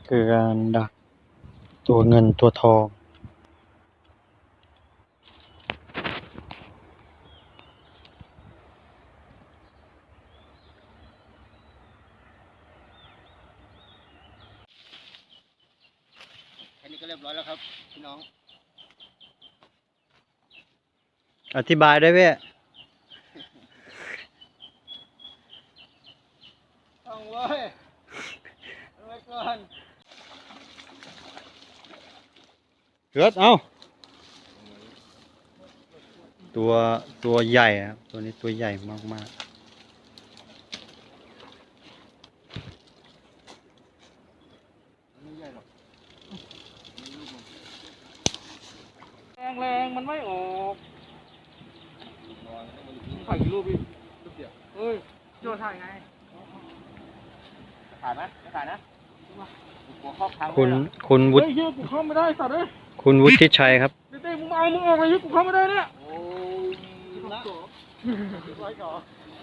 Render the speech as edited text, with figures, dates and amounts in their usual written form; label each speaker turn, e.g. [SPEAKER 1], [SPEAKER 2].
[SPEAKER 1] คือการดักตัวเงินตัวทอง
[SPEAKER 2] แค่นี้ก็เรียบร้อยแล้วครับพี่น้อง
[SPEAKER 1] อธิบายได้เว้ย
[SPEAKER 2] ต้องเว้ยเอาไว้ก่อน
[SPEAKER 1] เกิดเอาตัวใหญ่ครับตัวนี้ตัวใหญ่มาก
[SPEAKER 2] ไม่ใหญ่หรอก
[SPEAKER 3] แรงมันไม่ออกถ่ายกี่รูปพี่รูปเดียวเฮ้ยโจถ่ายไง
[SPEAKER 2] ถ่ายไหมไม่ถ่ายนะหัวครอบทาง
[SPEAKER 1] ๆคุณ
[SPEAKER 2] เลยเหรอ
[SPEAKER 1] คุณวุ
[SPEAKER 3] เฮ้
[SPEAKER 1] ฒิ
[SPEAKER 3] ยเฮียกูเข้าไม่ได้สัตว์เลย
[SPEAKER 1] คุณวุฒิชัยครับ
[SPEAKER 3] เต้ๆมึงเอามึงออกเลยกูเข้าไม่ได้เนี่ย
[SPEAKER 2] โอ้ยนะไว้ก่อน